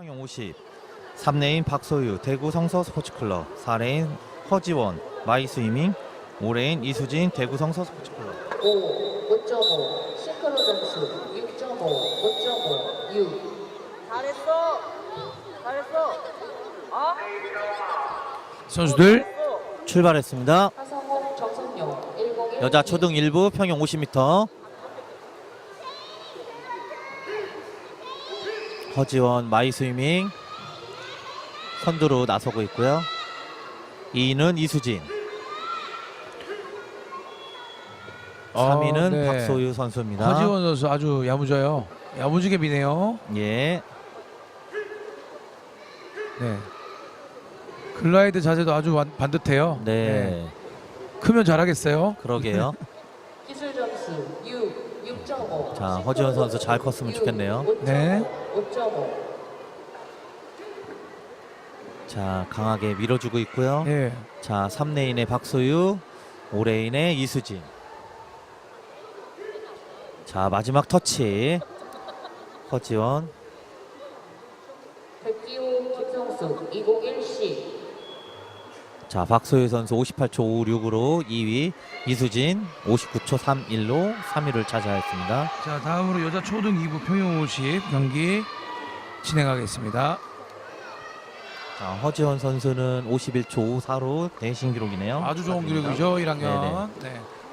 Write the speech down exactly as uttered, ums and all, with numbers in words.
평영 오십. 삼 레인 박소유 대구 성서 스포츠클럽. 사 레인 허지원 마이스위밍. 오 레인 이수진 대구 성서 스포츠클럽. 오, 오 점 오, 싱크로 점수 육 점 오, 오 점 오, 육. 잘했어. 잘했어. 어? 선수들 출발했습니다. 하성홍 정선용 일공일 여자 초등 일 부 평영 오십 미터. 허지원 마이스위밍 선두로 나서고 있고요. 이 위는 이수진. 삼 위는 어, 네. 박소유 선수입니다. 허지원 선수 아주 야무져요. 야무지게 미네요. 예. 네. 글라이드 자세도 아주 완- 반듯해요. 네. 크면 잘하겠어요. 그러게요. 기술 점수 육, 육 점 오. 자, 허지원 선수 잘 컸으면 좋겠네요. 네. 오 점 오. 자, 강하게 밀어주고 있고요. 예. 자, 삼 레인의 박소유, 오 레인의 이수진. 자, 마지막 터치. 허지원. 백기호 김성수 이공일 씨. 자, 박소유 선수 오십팔 초 오십육으로 이 위, 이수진 오십구 초 삼십일로 삼 위를 차지하였습니다. 자, 다음으로 여자 초등 이 부 평영 오십 경기 진행하겠습니다. 자, 허지원 선수는 오십일 초 오십사로 대신 기록이네요. 아주 좋은 축하드립니다. 기록이죠, 일 학년. 네네. 네.